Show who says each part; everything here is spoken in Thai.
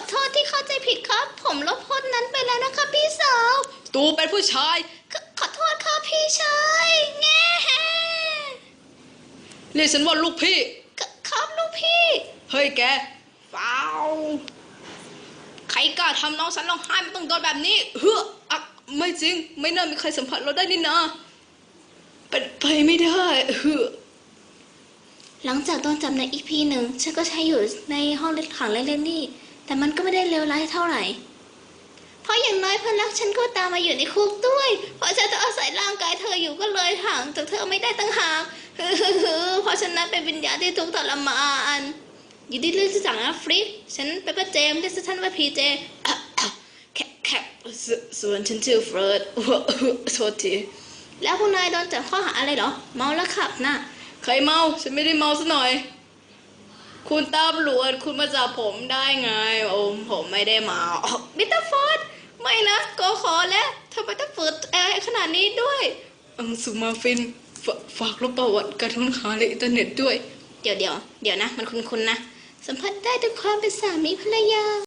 Speaker 1: โทษที่เข้าใจผิดครับผมลบโพสต์นั้นไปแล้วนะคะพี่สาว
Speaker 2: ตูเป็นผู้ชาย
Speaker 1: ขอโทษครับพี่ชายแง่
Speaker 2: เรียกฉันว่าลูกพี่
Speaker 1: ครับลูกพี่
Speaker 2: เฮ้ยแกเปล่าใครกล้าทำน้องฉันร้องไห้มันต้องโดนแบบนี้เฮ้ออะไม่จริงไม่น่ามีใครสัมผัสเราได้นี่นะเป็นไปไม่ได้เฮ้อ
Speaker 1: หลังจากโดนจับในอีพีหนึ่งฉันก็ใช้อยู่ในห้องขังเล็กๆนี่แต่มันก็ไม่ได้เลวร้ายเท่าไหร่เพราะอย่างน้อยเพื่อนรักฉันก็ตามมาอยู่ในคุกด้วยเพราะฉันจะอาศัยร่างกายเธออยู่ก็เลยห่างจากเธอไม่ได้ตั้งหากเพราะฉันนั้นเป็นวิญญาณที่ทุกข์ทรมานอยู่ดีเรื่องจากนะฟริกฉันเป็นป้าเจมส์ที่ฉันว่าพีเจ
Speaker 2: แคปส่วนฉันชื่อเฟิร์สโทษที
Speaker 1: แล้วพวกนายโดนจับข้อหาอะไรเหรอเมาแล้วขับน่ะ
Speaker 2: ใครเมาฉันไม่ได้เมาซะหน่อยคุณตำรวจคุณมาจับผมได้ไงผมไม่ได้เมา
Speaker 1: มิสเตอร์ฟอร์ดไม่นะก็ขอแล้วทำไมต้องเปิดแอร์ขนาดนี้ด้วย
Speaker 2: สุมาฟินฝากลบประวัติการค้นหาในอินเทอร์เน็ตด้วย
Speaker 1: เดี๋ยวนะมันคุ้นๆนะสัมผัสได้ถึงความเป็นสามีภรรยา